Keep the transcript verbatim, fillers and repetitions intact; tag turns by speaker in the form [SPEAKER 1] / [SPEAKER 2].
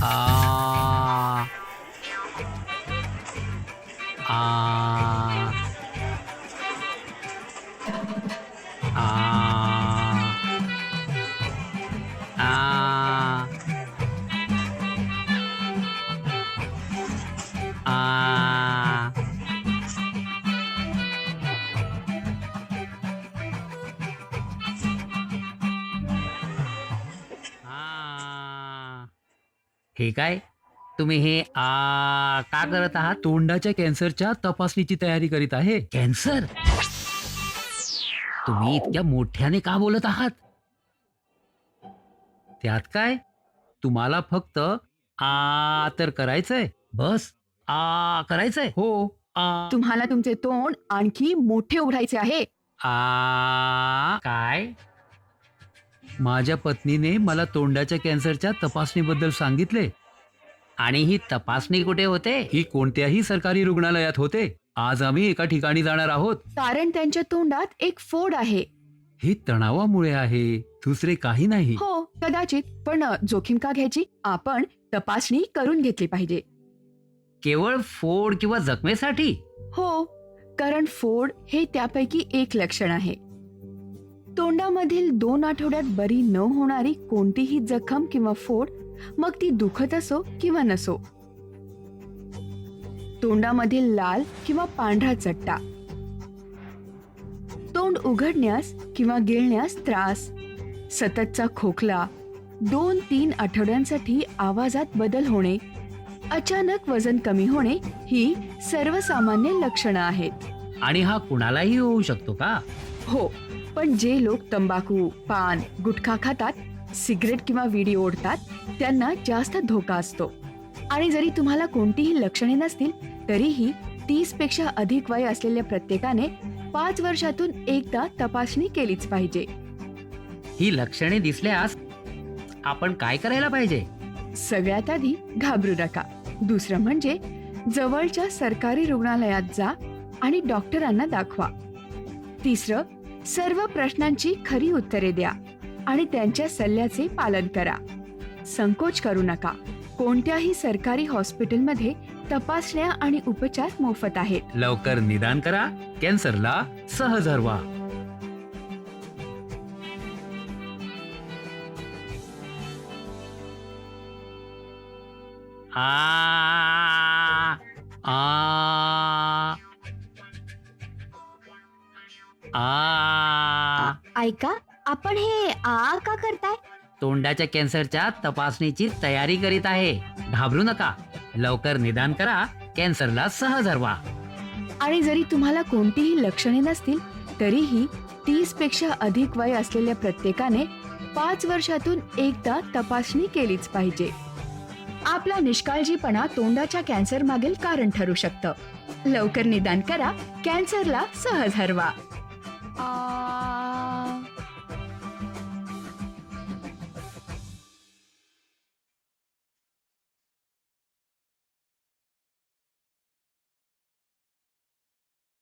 [SPEAKER 1] आ आ आ आ आ आ. हे काय? तुम्ही हे आ का करत आहात? तोंडाच्या कॅन्सरच्या तपासणीची तयारी करीत आहे. कॅन्सर? तुम्ही इतक्या मोठ्याने का बोलत आहात? त्यात काय? तुम्हाला फक्त आ तर करायचंय. बस आ करायचंय. हो आ.
[SPEAKER 2] तुम्हाला तुमचे तोंड आणखी मोठे उघडायचे आहे.
[SPEAKER 1] आ काय? माझ्या पत्नीने मला तोंडाच्या कॅन्सरच्या तपासणीबद्दल सांगितले. आणि ही तपासणी कुठे होते? ही कोणत्याही सरकारी रुग्णालयात होते. आज आम्ही एका ठिकाणी जाणार आहोत.
[SPEAKER 2] कारण त्यांच्या तोंडात एक फोड आहे.
[SPEAKER 1] हे तणावामुळे आहे, दुसरे काही नाही.
[SPEAKER 2] हो कदाचित, पण जोखीम का घ्यायची? आपण तपासणी करून घेतली पाहिजे.
[SPEAKER 1] केवळ फोड किंवा जखमेसाठी?
[SPEAKER 2] हो, कारण फोड हे त्यापैकी एक लक्षण आहे. तोंडामधील दोन आठवड्यात बरी न होणारी कोणतीही जखम किंवा फोड, मग ती दुखत असो किंवा नसो. तोंडामधील लाल किंवा पांढरा चट्टा, तोंड उघडण्यास किंवा गिळण्यास त्रास, सततचा खोकला, दोन तीन आठवड्यांसाठी आवाजात बदल होणे, अचानक वजन कमी होणे ही सर्वसामान्य लक्षणं आहेत.
[SPEAKER 1] आणि हा कुणालाही होऊ शकतो का?
[SPEAKER 2] हो, पण जे लोक तंबाखू, पान, गुटखा खातात, सिगरेट किंवा विडी ओढतात त्यांना जास्त धोका असतो. आणि जरी तुम्हाला कोणतीही लक्षणे नसतील तरीही तीस पेक्षा अधिक वय असलेल्या प्रत्येकाने पाच वर्षातून एकदा तपासणी केलीच पाहिजे.
[SPEAKER 1] ही लक्षणे दिसल्यास आपण काय करायला पाहिजे?
[SPEAKER 2] सगळ्यात आधी घाबरू नका. दुसरं म्हणजे जवळच्या सरकारी रुग्णालयात जा आणि डॉक्टरांना दाखवा. तिसरं, सर्व प्रश्नांची खरी उत्तरे द्या आणि त्यांच्या सल्ल्याचे पालन करा. संकोच करू नका. कोणत्याही सरकारी हॉस्पिटलमध्ये तपासण्या आणि उपचार मोफत आहेत.
[SPEAKER 1] लवकर निदान करा, कॅन्सरला सहज हरवा. आ आ आ.
[SPEAKER 3] ऐका, आपण हे आ का करताय?
[SPEAKER 1] तोंडाच्या कॅन्सरच्या तपासणीची तयारी करीत आहे. घाबरू नका, लवकर निदान करा, कॅन्सरला सहज हरवा.
[SPEAKER 2] आणि जरी तुम्हाला कोणतीही लक्षणे नसतील तरीही तीस पेक्षा अधिक वय असलेल्या प्रत्येकाने पाच वर्षातून एकदा तपासणी केलीच पाहिजे. आपला निष्काळजीपणा तोंडाच्या कॅन्सर मागील कारण ठरू शकतं. लवकर निदान करा, कॅन्सरला सहज हरवा.